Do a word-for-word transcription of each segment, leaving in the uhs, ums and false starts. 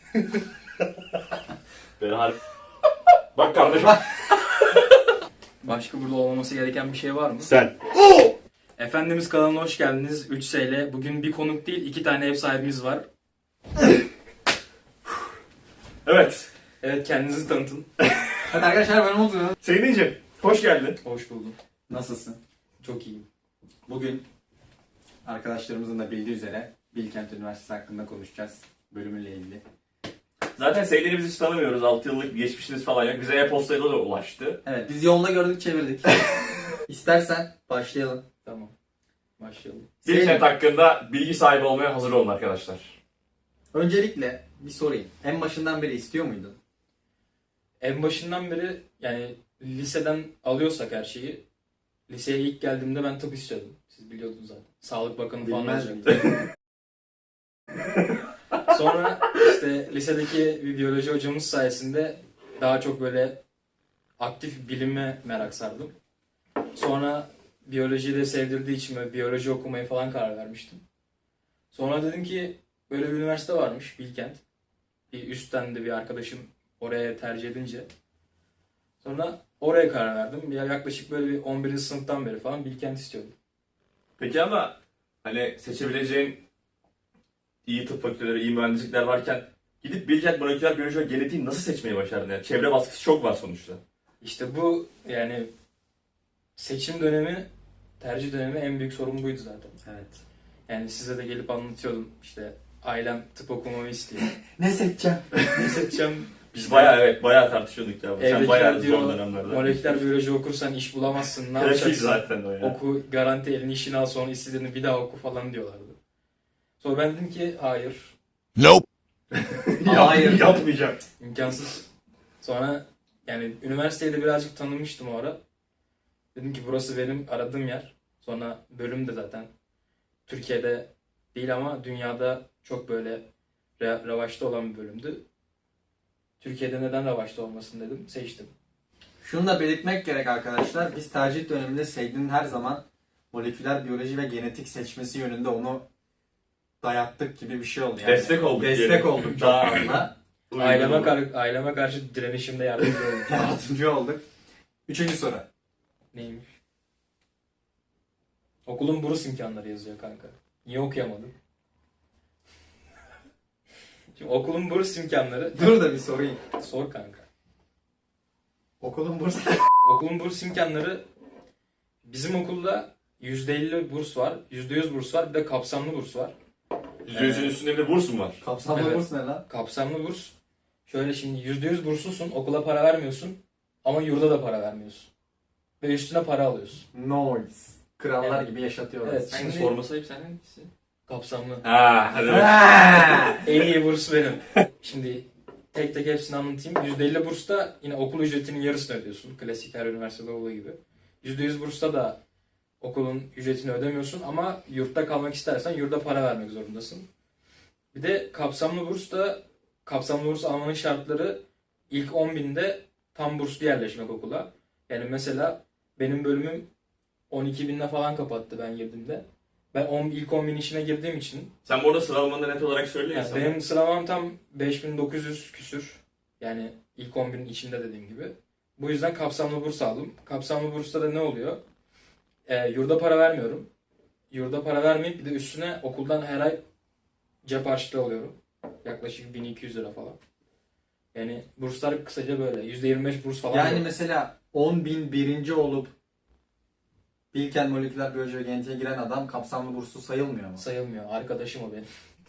Ben harbi... Bak kardeşim. Başka burada olmaması gereken bir şey var mı? Sen. Efendimiz kanalına hoş geldiniz. üç S ile. Bugün bir konuk değil, iki tane ev sahibimiz var. Evet. Evet, kendinizi tanıtın. Hadi arkadaşlar ben Umut. Seydin'cim hoş geldin. Hoş buldum. Nasılsın? Çok iyiyim. Bugün arkadaşlarımızın da bildiği üzere Bilkent Üniversitesi hakkında konuşacağız. Bölümüyle ilgili. Zaten Seydin'i biz hiç tanımıyoruz. altı yıllık bir geçmişiniz falan yok. Bize e-postayla da ulaştı. Evet biz yolda gördük çevirdik. İstersen başlayalım. Tamam. Başlayalım. Bilkent hakkında bilgi sahibi olmaya hazır olun arkadaşlar. Öncelikle bir sorayım. En başından beri istiyor muydun? En başından beri yani liseden alıyorsak her şeyi, liseye ilk geldiğimde ben tıp istiyordum. Siz biliyordunuz zaten. Sağlık Bakanı falan Bilmez olacaktım. Sonra işte lisedeki bir biyoloji hocamız sayesinde daha çok böyle aktif bilime merak sardım. Sonra biyolojiyi de sevdirdiği için böyle biyoloji okumaya falan karar vermiştim. Sonra dedim ki böyle bir üniversite varmış Bilkent. Bir üstten de bir arkadaşım oraya tercih edince. Sonra oraya karar verdim. Ya yaklaşık böyle bir on birinci sınıftan beri falan Bilkent istiyordum. Peki ama hani seçebileceğin iyi tıp fakülteleri, iyi mühendislikler varken gidip Bilkent moleküler biyoloji ve genetiği nasıl seçmeyi başardın? Yani çevre baskısı çok var sonuçta. İşte bu yani seçim dönemi, tercih dönemi en büyük sorun buydu zaten. Evet. Yani size de gelip anlatıyordum işte ailem tıp okumamı istiyor. Ne seçeceğim? Ne seçeceğim? Biz bayağı evet bayağı tartışıyorduk ya. Sen Evdekiler bayağı diyor, zor dönemlerde. moleküler biyoloji okursan iş bulamazsın, ne Klasik yapacaksın? zaten o ya. Oku, garanti elini işini al, sonra istediğini bir daha oku falan diyorlardı. Sonra ben dedim ki hayır, Nope. Hayır. Yapmayacağım. imkansız. Sonra yani üniversiteyi de birazcık tanımıştım o ara. Dedim ki burası benim aradığım yer. Sonra bölüm de zaten Türkiye'de değil ama dünyada çok böyle re- revaçta olan bir bölümdü. Türkiye'de neden revaçta olmasın dedim, seçtim. Şunu da belirtmek gerek arkadaşlar. Biz tercih döneminde Seydin'in her zaman moleküler biyoloji ve genetik seçmesi yönünde onu dayattık gibi bir şey oldu. Yani. Destek olduk Destek diyelim. olduk çok Daha- fazla. Aileme, kar- aileme karşı direnişimde yardımcı oldum. Yardımcı olduk. Üçüncü soru. Neymiş? Okulun burs imkanları yazıyor kanka. Niye okuyamadım? Şimdi okulun burs imkanları... Dur da bir sorayım. Sor kanka. Okulun bursu. Okulun burs imkanları... Bizim okulda yüzde elli burs var, yüzde yüz burs var, bir de kapsamlı burs var. yüzde yüzün üstünde bir de burs mu var? Kapsamlı Evet. burs ne lan? Kapsamlı burs... Şöyle şimdi yüzde yüz burslusun, okula para vermiyorsun ama yurda da para vermiyorsun. Ve üstüne para alıyorsun. Noise. Krallar Evet. gibi yaşatıyorlar. Evet. Sen Şimdi- sorması ayıp sen hangisi? Kapsamlı. Ha, hadi bak. Ha! En iyi burs benim. Şimdi tek tek hepsini anlatayım. yüzde elli bursta yine okul ücretinin yarısını ödüyorsun. Klasik her üniversitede olduğu gibi. yüzde yüz bursta da okulun ücretini ödemiyorsun ama yurtta kalmak istersen yurda para vermek zorundasın. Bir de kapsamlı burs da kapsamlı burs almanın şartları ilk on binde tam burslu yerleşmek okula. Yani mesela benim bölümüm on iki binde falan kapattı ben girdiğimde. Ben on, ilk on bin içine girdiğim için Sen bu arada sıralamanı da net olarak söyle yani sana. benim sıralamam tam beş bin dokuz yüz küsür. Yani ilk on binin içinde dediğim gibi. Bu yüzden kapsamlı burs aldım. Kapsamlı bursta da ne oluyor? Ee, yurda para vermiyorum. Yurda para vermeyip bir de üstüne okuldan her ay cep harçlığı alıyorum. Yaklaşık bin iki yüz lira falan. Yani burslar kısaca böyle. yüzde yirmi beş burs falan. Yani yok. mesela on bin birinci olup Bilkent moleküler biyoloji ve genetiğe giren adam kapsamlı burslu sayılmıyor mu? Sayılmıyor. Arkadaşım o benim.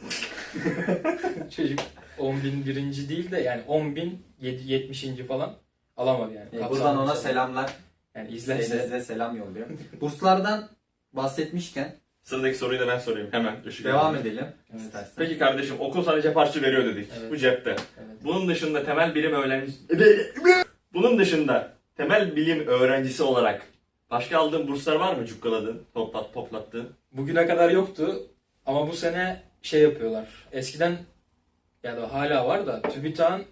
Çocuk on bin birinci değil de yani on bin yetmişinci falan alamadı yani. E, Kapsamlı buradan ona burs. selamlar. Yani izlerse Size selam yolluyor. Burslardan bahsetmişken Sıradaki soruyu da ben sorayım hemen. Işık devam yanıyor. edelim. Evet. İstersen. Peki kardeşim okul sana cep harçlığı veriyor dedik. Evet. Bu cepte. Evet. Bunun dışında temel bilim öğrencisi... Bunun dışında temel bilim öğrencisi olarak başka aldığın burslar var mı cukkaladığın, toplat, toplattığın? Bugüne kadar yoktu ama bu sene şey yapıyorlar. Eskiden ya da hala var da TÜBİTAK'ın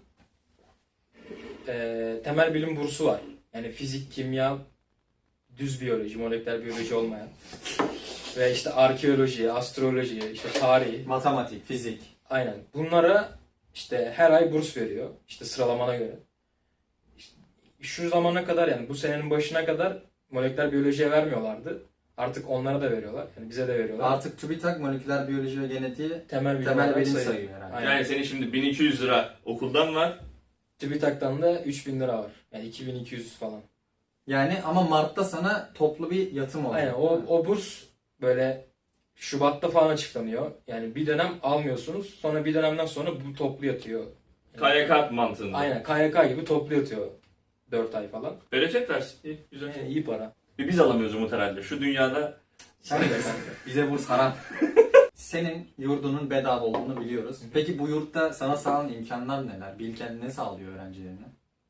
e, temel bilim bursu var. Yani fizik, kimya, düz biyoloji, moleküler biyoloji olmayan. Ve işte arkeoloji, astroloji, işte tarih. Matematik, fizik. Aynen. Bunlara işte her ay burs veriyor. İşte sıralamana göre. İşte şu zamana kadar yani bu senenin başına kadar moleküler biyolojiye vermiyorlardı. Artık onlara da veriyorlar. Yani bize de veriyorlar. Artık TÜBİTAK moleküler biyoloji ve genetiği temel bilim, temel olarak bilim sayıyor. sayıyor herhalde. Aynen. Yani senin şimdi bin iki yüz lira okuldan var. TÜBİTAK'tan da üç bin lira var. Yani iki bin iki yüz falan. Yani ama Mart'ta sana toplu bir yatım olacak. Aynen o, o burs böyle Şubat'ta falan açıklanıyor. Yani bir dönem almıyorsunuz. Sonra bir dönemden sonra bu toplu yatıyor. K Y K mantığında. Aynen K Y K gibi toplu yatıyor. dört ay falan. Bereket versin. İyi, güzel. Yani iyi para. Bir biz alamıyoruz Umut herhalde. Şu dünyada Sen de kanka. Bize burs haram. Senin yurdunun bedava olduğunu biliyoruz. Peki bu yurtta sana sağlanan imkanlar neler? Bilkent ne sağlıyor öğrencilerine?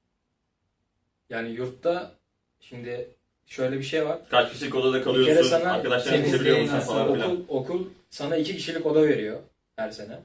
Yani yurtta şimdi şöyle bir şey var. kaç kişilik odada Bir kalıyorsun, kere sana arkadaşlarını temizliği seviyor musun nasıl, falan filan. Okul, okul sana iki kişilik oda veriyor her sene.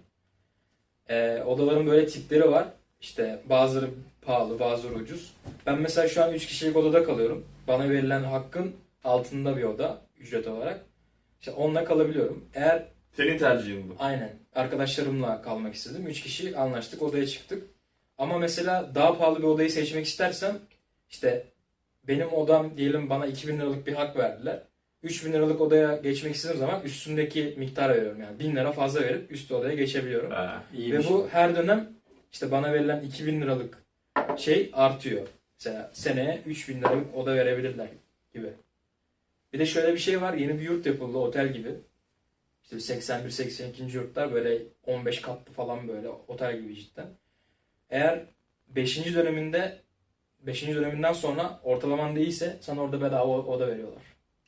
Ee, odaların böyle tipleri var. İşte bazıları pahalı, bazıları ucuz. Ben mesela şu an üç kişilik odada kalıyorum. Bana verilen hakkın altında bir oda ücret olarak. İşte onunla kalabiliyorum. Eğer Senin tercihin bu. aynen arkadaşlarımla kalmak istedim. Üç kişi anlaştık, odaya çıktık. Ama mesela daha pahalı bir odayı seçmek istersem işte benim odam diyelim bana iki bin liralık bir hak verdiler. üç bin liralık odaya geçmek istediğim zaman üstündeki miktarı veriyorum. Yani bin lira fazla verip üst odaya geçebiliyorum. Ha. İyi Ve bu her dönem işte bana verilen iki bin liralık şey artıyor. Mesela seneye üç bin liralık oda verebilirler gibi. Bir de şöyle bir şey var. Yeni bir yurt yapıldı otel gibi. İşte seksen bir seksen iki. yurtlar böyle on beş katlı falan böyle otel gibi cidden. Eğer beşinci döneminde beşinci döneminden sonra ortalaman değilse sana orada bedava oda veriyorlar.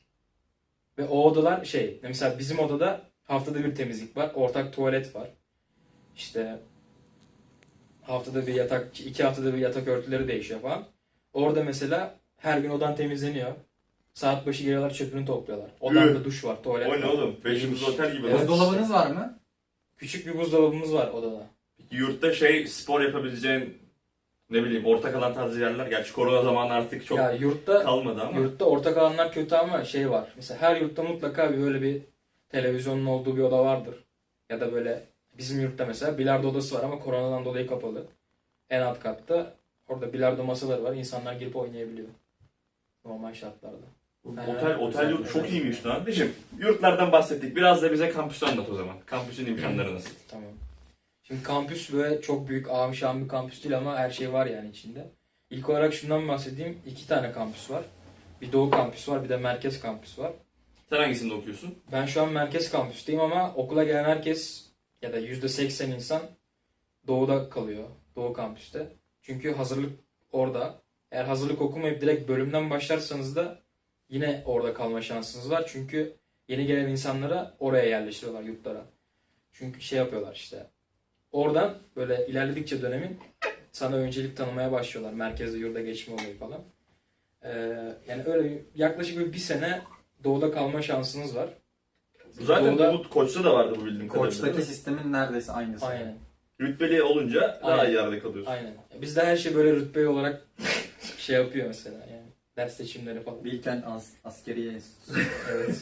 Ve o odalar şey mesela bizim odada haftada bir temizlik var. Ortak tuvalet var. İşte haftada bir yatak, iki haftada bir yatak örtüleri değişiyor falan. Orada mesela her gün odan temizleniyor. Saat başı geliyorlar çöpünü topluyorlar. Odanda duş var, tuvalet O var. ne oğlum? Beşimiz otel gibi. Evet. lan. Buzdolabınız var mı? Küçük bir buzdolabımız var odada. Yurtta şey spor yapabileceğin ne bileyim ortak alan tarzı yerler. Gerçi korona zamanı artık çok Ya yurtta kalmadı ama. yurtta ortak alanlar kötü ama şey var. Mesela her yurtta mutlaka bir böyle bir televizyonun olduğu bir oda vardır. Ya da böyle bizim yurtta mesela bilardo odası var ama koronadan dolayı kapalı. En alt katta orada bilardo masaları var. İnsanlar girip oynayabiliyor. Normal şartlarda. Otel, otel yurt çok iyiymiş lan. Şimdi yurtlardan bahsettik. Biraz da bize kampüsü anlat o zaman. Kampüsün imkanları nasıl? Tamam. Şimdi kampüs böyle çok büyük ağam şahım bir kampüs değil ama her şey var yani içinde. İlk olarak şundan bahsedeyim. İki tane kampüs var. Bir doğu kampüs var bir de merkez kampüs var. Sen hangisinde okuyorsun? Ben şu an merkez kampüsteyim ama okula gelen herkes ya da yüzde seksen insan doğuda kalıyor. Doğu kampüste. Çünkü hazırlık orada. Eğer hazırlık okumayıp direkt bölümden başlarsanız da yine orada kalma şansınız var. Çünkü yeni gelen insanlara oraya yerleştiriyorlar yurtlara. Çünkü şey yapıyorlar işte. Oradan böyle ilerledikçe dönemin sana öncelik tanımaya başlıyorlar. Merkezde yurda geçme olayı falan. Ee, yani öyle yaklaşık bir, bir sene doğuda kalma şansınız var. Zaten Doğuda- Umut Koç'ta da vardı bu bildiğim kadarıyla. Koç'taki değil mi? sistemin neredeyse aynısı. Aynen. Rütbeli olunca daha Aynen. iyi yerde kalıyorsun. Aynen. Bizde her şey böyle rütbe olarak şey yapıyor mesela yani. Ders seçimleri falan. Bilkent As Askeriye Enstitüsü. Evet.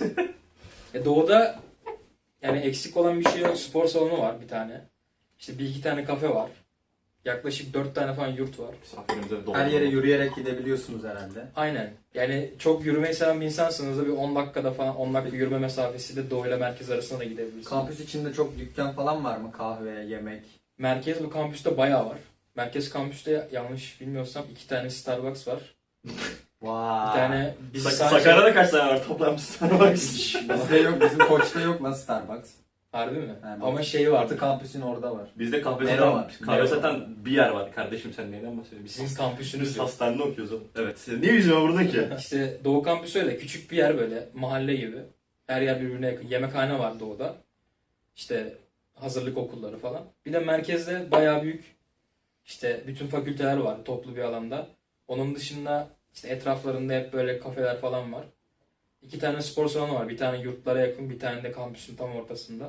E doğuda yani eksik olan bir şey yok. Spor salonu var bir tane. İşte bir iki tane kafe var. Yaklaşık dört tane falan yurt var. Misafirimize de Her yere yürüyerek gidebiliyorsunuz herhalde. Aynen. Yani çok yürümeyi seven bir insansınız da bir on dakikada falan on dakika yürüme mesafesiyle doğuyla merkez arasında da gidebilirsiniz. Kampüs içinde çok dükkan falan var mı? Kahve, yemek. Merkez bu kampüste bayağı var. Merkez kampüste yanlış bilmiyorsam iki tane Starbucks var. Vay. Bir tane bizi Sak- sadece... Sakarya'da kaç tane var toplam Starbucks? Bizde yok, bizim Koç'ta yok lan Starbucks. Harbi mi? Yani Ama şey var. Batı kampüsün orada var. Bizde kahve Nero satan, var. kahve Nero satan var. bir yer var. Kardeşim sen neyden bahsediyorsun? Biz, Sizin kampüsünüz biz yok. hastanede okuyoruz oğlum. Evet. Sen niye yüzüme vurdun ki? İşte Doğu kampüsü öyle küçük bir yer böyle mahalle gibi. Her yer birbirine yakın. Yemekhane var Doğu'da. İşte hazırlık okulları falan. Bir de merkezde bayağı büyük işte bütün fakülteler var toplu bir alanda. Onun dışında işte etraflarında hep böyle kafeler falan var. İki tane spor salonu var. Bir tane yurtlara yakın, bir tane de kampüsün tam ortasında.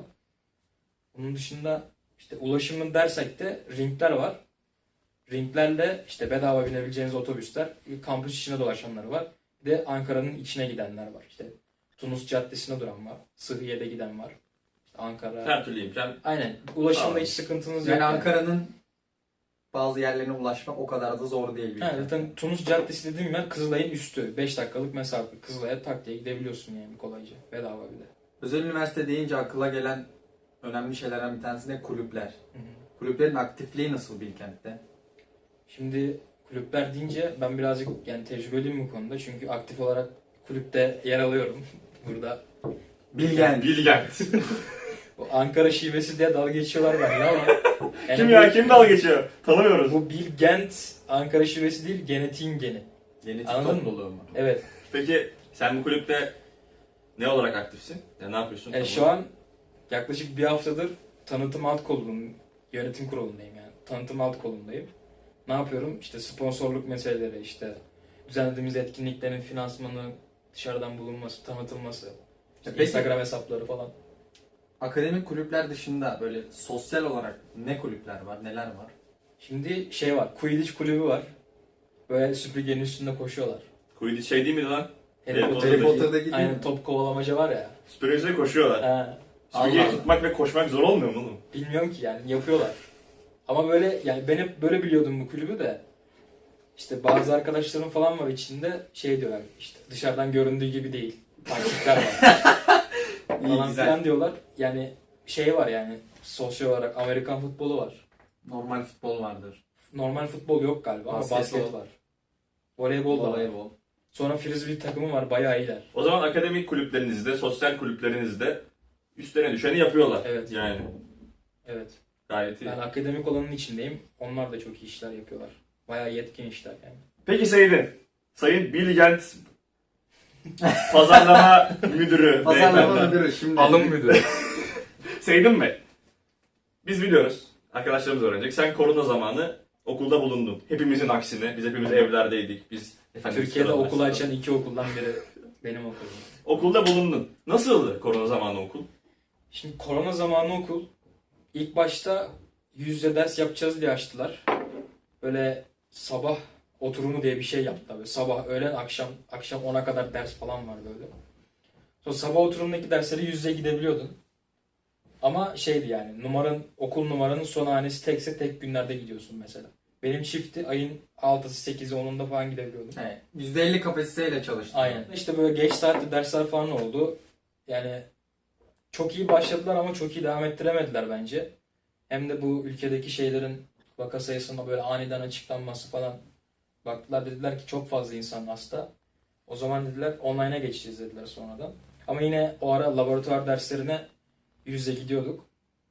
Onun dışında işte ulaşımın dersek de ringler var. Ringlerle işte bedava binebileceğiniz otobüsler, kampüs içine dolaşanları var. Bir de Ankara'nın içine gidenler var. İşte Tunus Caddesi'ne duran var. Sıhhiye'de giden var. İşte Ankara. Her türlü imkan. Aynen. Ulaşımda Tamam. hiç sıkıntınız yok. Yani Ankara'nın bazı yerlerine ulaşmak o kadar da zor değil. Ha, zaten Tunus Caddesi dediğim yer Kızılay'ın üstü. beş dakikalık mesafe. Kızılay'a tak diye gidebiliyorsun yani kolayca. Bedava bir de. Özel üniversite deyince akıla gelen önemli şeylerden bir tanesi de kulüpler. Hı hı. Kulüplerin aktifliği nasıl Bilkent'te? Şimdi kulüpler deyince ben birazcık yani tecrübeliyim bu konuda. Çünkü aktif olarak kulüpte yer alıyorum. Burada Bilgen. Bilgent. bu Ankara şivesi diye dalga geçiyorlar benimle ama yani Kim bu- ya? Kim dalga geçiyor? Tanımıyoruz. Bu Bilgent Ankara şivesi değil, genetiğin geni. Genetik Anladın mı? topluluğu mu? Evet. Peki sen bu kulüpte ne olarak aktifsin? Ya ne yapıyorsun? Yani şu an yaklaşık bir haftadır tanıtım alt kolunun yönetim kurulundayım yani. Tanıtım alt kolundayım. Ne yapıyorum? İşte sponsorluk meseleleri, işte düzenlediğimiz etkinliklerin finansmanı, dışarıdan bulunması, tanıtılması, işte Peki- Instagram hesapları falan. Akademik kulüpler dışında böyle sosyal olarak ne kulüpler var, neler var? Şimdi şey var, Quidditch kulübü var. Böyle süpürgenin üstünde koşuyorlar. Quidditch şey değil miydi lan? Harry Harry Potter'daki- Harry Potter'daki değil Aynen mi? top kovalamaca var ya. Süpürgeciyle koşuyorlar. Ha, Süpürgeyi Allah Allah. tutmak ve koşmak zor olmuyor mu oğlum? bilmiyorum ki yani yapıyorlar. Ama böyle yani ben hep böyle biliyordum bu kulübü de. İşte bazı arkadaşlarım falan var içinde şey diyorlar işte dışarıdan göründüğü gibi değil. Taktikler var. İyi, falan güzel. filan diyorlar. Yani şey var yani sosyal olarak Amerikan futbolu var. Normal futbol vardır. Normal futbol yok galiba ama Basketbol. basket var. Voleybol da var. Voleybol. Sonra frisbee takımı var bayağı iyiler. O zaman akademik kulüplerinizde, sosyal kulüplerinizde üstlerine düşeni yapıyorlar. Evet. Yani Evet. gayet iyi. Ben akademik olanın içindeyim. Onlar da çok iyi işler yapıyorlar. Bayağı yetkin işler yani. Peki Seyit'in, Sayın Bilgent Pazarlama Müdürü Pazarlama beyefendi. müdürü şimdi. Alım müdürü. Seyit'in Bey, biz biliyoruz, arkadaşlarımız öğrenecek. Sen korona zamanı okulda bulundun. Hepimizin aksine, biz hepimiz evlerdeydik. Biz efendim, Türkiye'de sıralar- okul açan iki okuldan biri benim okulum. Okulda bulundun. Nasıldı korona zamanı okul? Şimdi korona zamanı okul ilk başta yüz yüze ders yapacağız diye açtılar. Böyle sabah oturumu diye bir şey yaptılar. Böyle sabah, öğlen, akşam, akşam ona kadar ders falan var böyle. Sonra sabah oturumundaki derslere yüz yüze gidebiliyordun. Ama şeydi yani numaran, okul numaranın son hanesi tekse tek günlerde gidiyorsun mesela. Benim çifti ayın altısı, sekizi, onunda falan gidebiliyordum. Evet, yüzde elli kapasiteyle çalıştı. Aynen. İşte böyle geç saatte dersler falan oldu. Yani çok iyi başladılar ama çok iyi devam ettiremediler bence. Hem de bu ülkedeki şeylerin vaka sayısında böyle aniden açıklanması falan. Baktılar dediler ki çok fazla insan hasta. O zaman dediler online'a geçeceğiz dediler sonradan. Ama yine o ara laboratuvar derslerine yüz yüze gidiyorduk.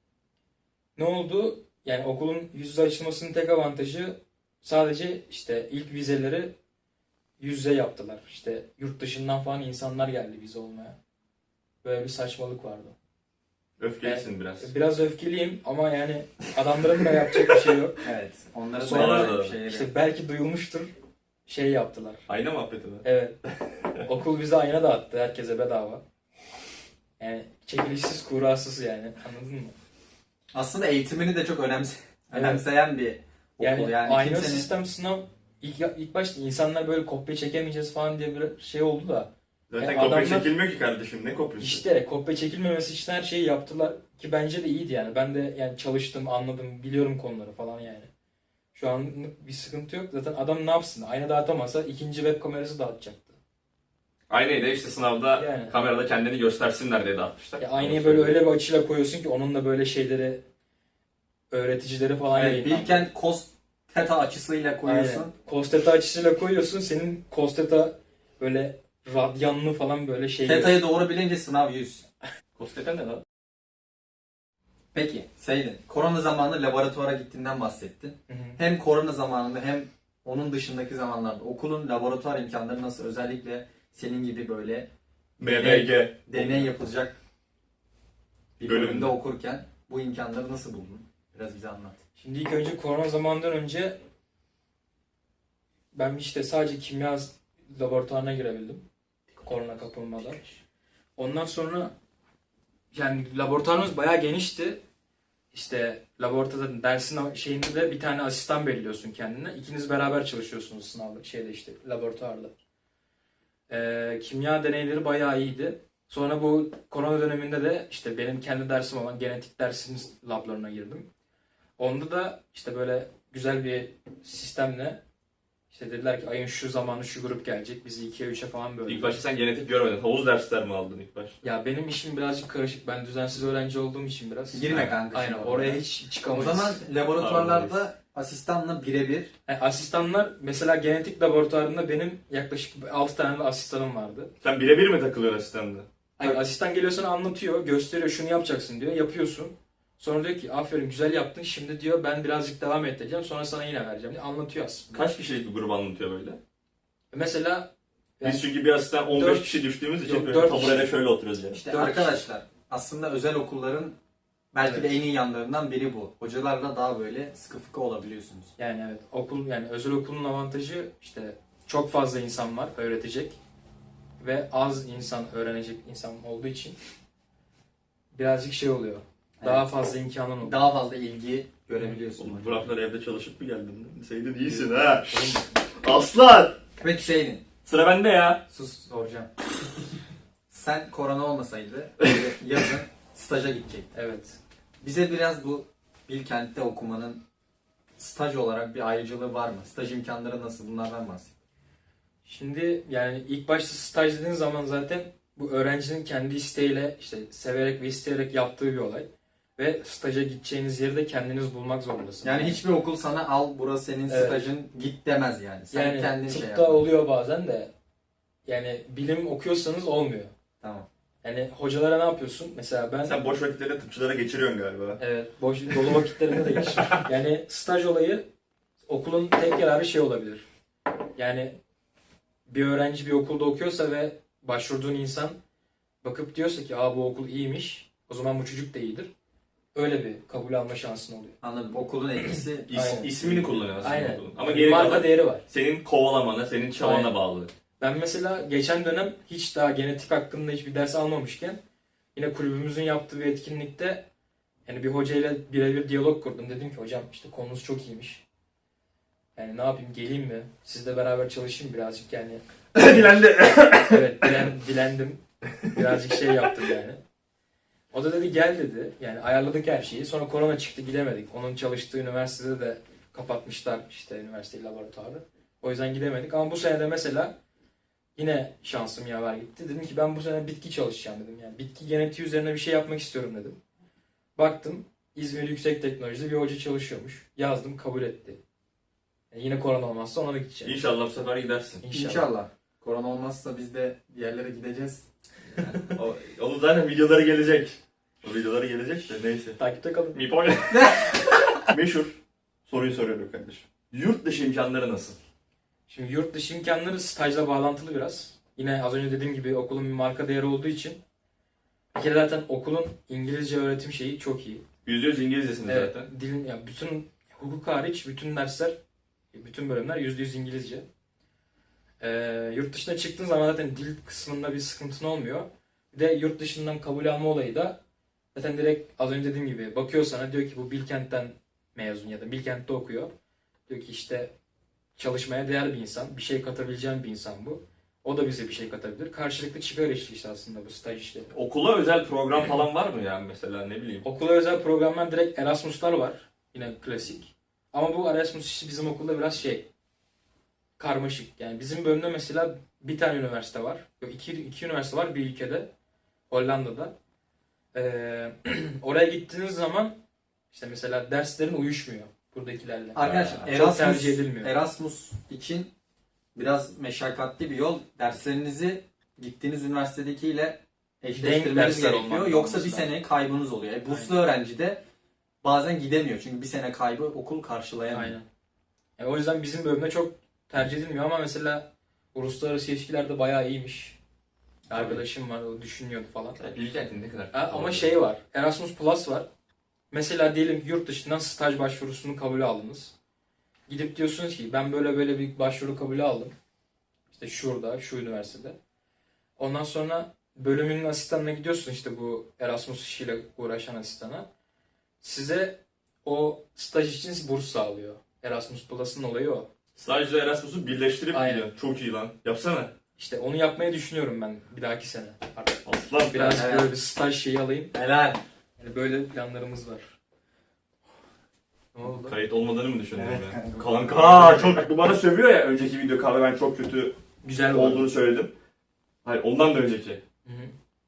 Ne oldu? Yani okulun yüz yüze açılmasının tek avantajı sadece işte ilk vizeleri yüz yüze yaptılar. İşte yurt dışından falan insanlar geldi vize olmaya. Böyle bir saçmalık vardı. Öfkelisin biraz. Biraz öfkeliyim ama yani adamların da yapacak bir şey yok. Evet. Onların Sonra da bir şeyleri. İşte belki duyulmuştur. Şey yaptılar. Ayna muhabbeti mi? Evet. Okul bize ayna dağıttı herkese bedava. Yani çekilişsiz kurasız yani. Anladın mı? Aslında eğitimini de çok önemse Evet. önemseyen bir okul. Yani, Yani, ayna kimsenin... sistem sınav ilk, ilk başta insanlar böyle kopya çekemeyeceğiz falan diye bir şey oldu da. Zaten Yani kopya adamlar- çekilmiyor ki kardeşim. Ne kopyası? İşte kopya çekilmemesi için her şeyi yaptılar ki bence de iyiydi yani. Ben de yani çalıştım, anladım, biliyorum konuları falan yani. Şu an bir sıkıntı yok. Zaten adam ne yapsın? Ayna dağıtamasa ikinci web kamerası dağıtacaktı. Aynayı da işte sınavda Yani. kamerada kendini göstersinler diye dağıtmışlar. Ya aynayı böyle öyle bir açıyla koyuyorsun ki onunla böyle şeyleri öğreticileri falan Evet, yayınlandı. Bilkent Cost Theta açısıyla koyuyorsun. Aynen. Kosteta açısıyla koyuyorsun. Senin kosteta böyle radyanlı falan böyle şey. Theta'yı doğru bilince sınav yüz. Kosteten ne lan? Peki Seydin, korona zamanı laboratuvara gittiğinden bahsettin. Hı hı. Hem korona zamanında hem onun dışındaki zamanlarda okulun laboratuvar imkanları nasıl? Özellikle senin gibi böyle B B G. deney yapılacak bir Bölümde. bölümde okurken bu imkanları nasıl buldun? Biraz bize anlat. Şimdi ilk önce korona zamanından önce ben işte sadece kimya laboratuvarına girebildim. Korona kapılmadan. Ondan sonra yani laboratuvarımız bayağı genişti. İşte laboratuvarda dersin şeyinde de bir tane asistan belirliyorsun kendine. İkiniz beraber çalışıyorsunuz sınavda şeyde işte laboratuvarda. Ee, kimya deneyleri bayağı iyiydi. Sonra bu korona döneminde de işte benim kendi dersim olan genetik dersimiz lablarına girdim. Onda da işte böyle güzel bir sistemle işte dediler ki ayın şu zamanı şu grup gelecek. Bizi ikiye üçe falan böldüler. İlk başta sen genetik görmedin. Havuz dersler mi aldın ilk başta? Ya benim işim birazcık karışık. Ben düzensiz öğrenci olduğum için biraz. Girme kanka. Aynen şimdi oraya oraya. hiç O çıkamayız. zaman laboratuvarlarda asistanla birebir. Yani asistanlar mesela genetik laboratuvarında benim yaklaşık altı tane de asistanım vardı. Sen birebir mi takılıyorsun asistanla? Hani asistan geliyor sana anlatıyor, gösteriyor şunu yapacaksın diyor, yapıyorsun. Sonra diyor ki aferin güzel yaptın, şimdi diyor ben birazcık devam edeceğim, sonra sana yine vereceğim. Anlatıyor aslında. Kaç kişilik bir grup anlatıyor böyle? Mesela yani, Biz çünkü bir asistan on beş dört- kişi düştüğümüz için Yok, böyle dört taburede kişi. şöyle oturuyoruz yani. İşte Dört arkadaşlar aslında özel okulların belki de Evet. en iyi yanlarından biri bu. Hocalarla daha böyle sıkı fıkı olabiliyorsunuz. yani evet okul yani özel okulun avantajı işte çok fazla insan var öğretecek ve az insan öğrenecek insan olduğu için birazcık şey oluyor. Daha Evet. fazla imkanın oluyor. Daha fazla ilgi görebiliyorsun. Oğlum hocam. bu haftalar evde çalışıp mı geldin? Seydin iyisin ha. Aslan! Peki Hüseyin'in Sıra bende ya. sus soracağım. Sen korona olmasaydı böyle yazın staja gidecektin. Evet. Bize biraz bu Bilkent'te okumanın staj olarak bir ayrıcalığı var mı? Staj imkanları nasıl? Bunlardan bahset. Şimdi yani ilk başta staj dediğin zaman zaten bu öğrencinin kendi isteğiyle işte severek ve isteyerek yaptığı bir olay. Ve staja gideceğiniz yeri de kendiniz bulmak zorundasınız. Yani hiçbir okul sana al burası senin Evet. stajın git demez yani. Sen yani kendin şey tıpta yap. oluyor bazen de yani bilim okuyorsanız olmuyor. Tamam. Yani hocalara ne yapıyorsun? Mesela ben Sen boş vakitlerini tıpçılara geçiriyorsun galiba. evet boş dolu vakitlerinde de geç. Yani staj olayı okulun tek yararı şey olabilir. Yani bir öğrenci bir okulda okuyorsa ve başvurduğun insan bakıp diyorsa ki aa bu okul iyiymiş, o zaman bu çocuk da iyidir. Öyle bir kabul alma şansın oluyor. Anladım. Okulun etkisi İs, Aynen. ismini kullanıyor aslında Aynen. okulun. Ama geri Marka kalan değeri var. senin kovalamana, senin çabana Aynen. bağlı. Ben mesela geçen dönem hiç daha genetik hakkında hiçbir ders almamışken yine kulübümüzün yaptığı bir etkinlikte yani bir hocayla birebir diyalog kurdum. Dedim ki hocam işte konunuz çok iyiymiş. Yani ne yapayım geleyim mi? Sizle beraber çalışayım birazcık yani. Dilendi. Evet dilen, dilendim. Birazcık şey yaptım yani. O da dedi gel dedi. Yani ayarladık her şeyi. Sonra korona çıktı gidemedik. Onun çalıştığı üniversitede de kapatmışlar işte üniversite laboratuvarı. O yüzden gidemedik. Ama bu sene de mesela yine şansım yaver gitti. Dedim ki ben bu sene bitki çalışacağım dedim. Yani bitki genetiği üzerine bir şey yapmak istiyorum dedim. Baktım İzmir Yüksek Teknolojide bir hoca çalışıyormuş. Yazdım kabul etti. Yani yine korona olmazsa ona da gideceğim. İnşallah bu sefer gidersin. İnşallah. İnşallah. Korona olmazsa biz de bir yerlere gideceğiz. O, onun zaten videoları gelecek. O videoları gelecek de neyse. Takipte kalın. Mipol. Meşhur. Soruyu soruyorum kardeşim. Yurt dışı imkanları nasıl? Şimdi yurt dışı imkanları stajla bağlantılı biraz. Yine az önce dediğim gibi okulun bir marka değeri olduğu için bir kere zaten okulun İngilizce öğretim şeyi çok iyi. yüzde yüz İngilizcesin Evet, zaten. dilin, yani bütün hukuk hariç bütün dersler, bütün bölümler yüzde yüz İngilizce. Ee, yurt dışına çıktığın zaman zaten dil kısmında bir sıkıntın olmuyor. Bir de yurt dışından kabul alma olayı da zaten direkt az önce dediğim gibi bakıyor sana diyor ki bu Bilkent'ten mezun ya da Bilkent'te okuyor. Diyor ki işte çalışmaya değer bir insan, bir şey katabileceğin bir insan bu. O da bize bir şey katabilir. Karşılıklı çıkar ilişkisi aslında bu staj işleri. Okula özel program falan var mı yani mesela ne bileyim? Okula özel programlar direkt Erasmus'lar var. Yine klasik. Ama bu Erasmus işi bizim okulda biraz şey karmaşık. Yani bizim bölümde mesela bir tane üniversite var. Yok iki, iki üniversite var bir ülkede. Hollanda'da. Ee, oraya gittiğiniz zaman işte mesela derslerin uyuşmuyor buradakilerle. Arkadaşlar Ha, çok Erasmus, tercih edilmiyor. Erasmus için biraz meşakkatli bir yol. Derslerinizi gittiğiniz üniversitedekiyle eşleştirmeniz dersler gerekiyor. olmak Yoksa bir lazım. sene kaybınız oluyor. E, burslu öğrenci de bazen gidemiyor. Çünkü bir sene kaybı okul karşılayamıyor. Aynen. Yani o yüzden bizim bölümde çok tercih edilmiyor ama mesela uluslararası ilişkilerde bayağı iyiymiş. Arkadaşım var o düşünüyordu falan. Ya Bilkent'in ne kadar? Ha, ama şey var. Erasmus Plus var. Mesela diyelim ki yurt dışından staj başvurusunu kabul aldınız. Gidip diyorsunuz ki ben böyle böyle bir başvuru kabulü aldım. İşte şurada, şu üniversitede. Ondan sonra bölümünün asistanına gidiyorsun işte bu Erasmus işiyle uğraşan asistana. Size o staj için burs sağlıyor. Erasmus Plus'ın olayı o. Stajla Erasmus'u birleştirip Aynen. gidiyor. Çok iyi lan. Yapsana. İşte onu yapmayı düşünüyorum ben bir dahaki sene artık. Aslan. Biraz Evet. böyle bir staj şeyi alayım. Helal. Yani böyle planlarımız var. Ne oldu? Kayıt olmadığını mı düşündün Evet, ya? kanka. Kanka çok bu bana sövüyor ya önceki video kahve ben çok kötü Güzel oldu. olduğunu söyledim. Hayır ondan da önceki. Hı hı.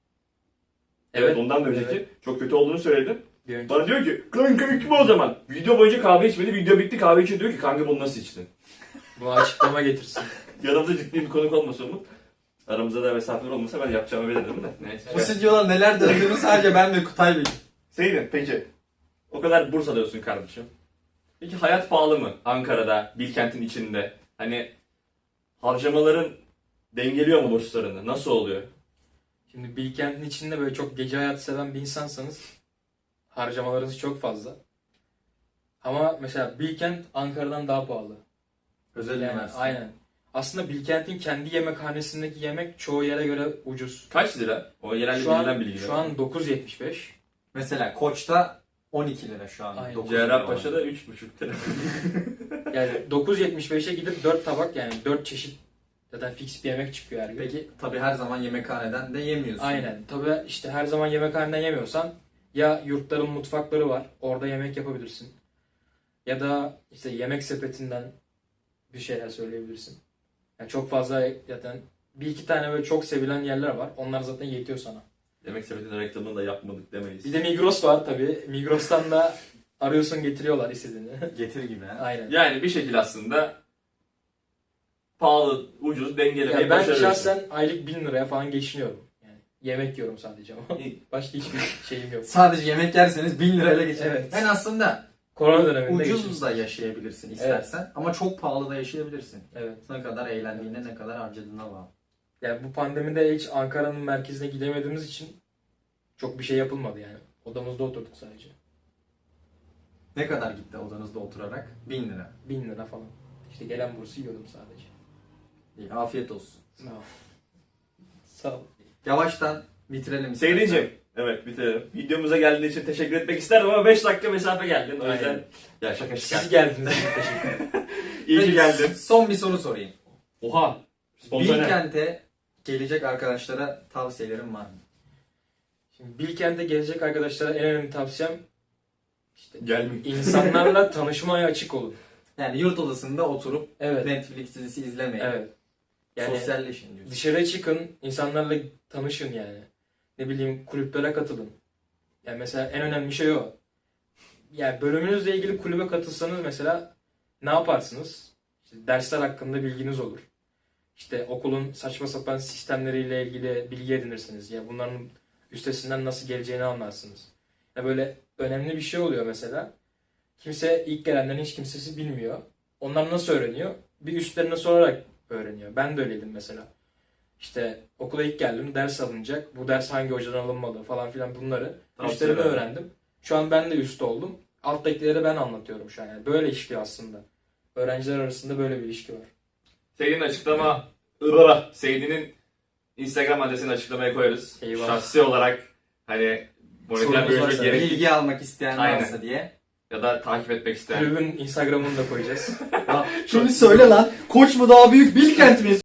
Evet, ondan da önceki evet. çok kötü olduğunu söyledim. Bir önce. Bana diyor ki kanka içme o zaman. Video boyunca kahve içmedi. Video bitti kahve içiyor diyor ki kanka bunu nasıl içtin? Bu açıklama getirsin. Yanımıza ciddi bir konuk olmasa Umut. Aramızda da mesafeler olmasa ben yapacağımı bilirdim de. Neyse. Bu stüdyoda neler döndüğünü sadece ben ve Kutay biliyorum. Seydin peki. O kadar Bursa'da olsun kardeşim. Peki hayat pahalı mı Ankara'da, Bilkent'in içinde? Hani harcamaların dengeliyor mu borçlarını? Nasıl oluyor? Şimdi Bilkent'in içinde böyle çok gece hayatı seven bir insansanız harcamalarınız çok fazla. Ama mesela Bilkent Ankara'dan daha pahalı. Özel Yani üniversite. aynen. Aslında Bilkent'in kendi yemekhanesindeki yemek çoğu yere göre ucuz. Kaç lira? O yerelde Şu an, bilinen bilgiler. şu an dokuz yetmiş beş. Mesela Koç'ta on iki lira şu an. Aynen. dokuz lira Cerrahpaşa'da üç buçuk lira. Yani dokuz yetmiş beşe gidip dört tabak yani dört çeşit zaten fix bir yemek çıkıyor her gün. Peki tabii her zaman yemekhaneden de yemiyorsun. Aynen. Tabii işte her zaman yemekhaneden yemiyorsan ya yurtların mutfakları var. Orada yemek yapabilirsin. Ya da işte yemek sepetinden bir şeyler söyleyebilirsin. Yani çok fazla zaten bir iki tane böyle çok sevilen yerler var. Onlar zaten yetiyor sana. Yemek sepetinin reklamını da yapmadık demeyiz. Bir de Migros var tabii. Migros'tan da arıyorsun getiriyorlar istediğini. Getir gibi ha. Aynen. Yani bir şekilde aslında pahalı, ucuz, dengelemeyi Yani ben başarıyorsun. şahsen aylık bin liraya falan geçiniyorum. Yani yemek yiyorum sadece ama başka hiçbir şeyim yok. Sadece yemek yerseniz bin lirayla geçer. Evet. Ben aslında Korona döneminde ucuz geçmiş. da yaşayabilirsin istersen ama çok pahalı da yaşayabilirsin. Evet. Ne kadar eğlendiğine, ne kadar harcadığına bağlı. Yani bu pandemide hiç Ankara'nın merkezine gidemediğimiz için çok bir şey yapılmadı yani. Odamızda oturduk sadece. Ne kadar gitti odanızda oturarak? bin lira. Bin lira falan. İşte gelen bursu yiyordum sadece. İyi, afiyet olsun. Sağ ol. Sağ ol. Yavaştan bitirelim istersen. Seyircim, evet bitirelim. Videomuza geldiğin için teşekkür etmek isterdim ama beş dakika mesafe geldin. O yüzden Aynen. ya şaka şaka. Siz geldiniz. Teşekkür ederim. İyi ki Peki, geldin. Son bir soru sorayım. Oha. Spontane. Bilkent'e gelecek arkadaşlara tavsiyelerim var mı? Şimdi Bilkent'e gelecek arkadaşlara en önemli tavsiyem işte Gelmeyin. insanlarla tanışmaya açık olun. Yani yurt odasında oturup Evet. Netflix dizisi izlemeyin. Evet. Yani Sosyalleşin diyorsun. dışarı çıkın, insanlarla tanışın yani. Ne bileyim kulüplere katılın. Yani mesela en önemli şey o. Yani bölümünüzle ilgili kulübe katılsanız mesela ne yaparsınız? İşte dersler hakkında bilginiz olur. İşte okulun saçma sapan sistemleriyle ilgili bilgi edinirsiniz. Ya bunların üstesinden nasıl geleceğini anlarsınız. Ya böyle önemli bir şey oluyor mesela. Kimse ilk gelenlerin hiç kimsesi bilmiyor. Onlar nasıl öğreniyor? Bir üstlerine sorarak öğreniyor. Ben de öyleydim mesela. İşte okula ilk geldim, ders alınacak. Bu ders hangi hocadan alınmalı falan filan bunları Tavsiye üstlerime ederim. öğrendim. Şu an ben de üst oldum. Alttakileri ben anlatıyorum şu an. Yani böyle işliyor aslında. Öğrenciler arasında böyle bir ilişki var. Seydin'in açıklama ıvıra. Seydin'in Instagram adresini açıklamaya koyarız. Eyvallah. Şahsi olarak hani moleküler Sorunuz biyoloji varsa gerek Bilgi almak isteyen Aynen. varsa diye. ya da takip etmek isteyen. Kulübün Instagram'ını da koyacağız. Şimdi söyle lan. Koç mu daha büyük Bilkent mi?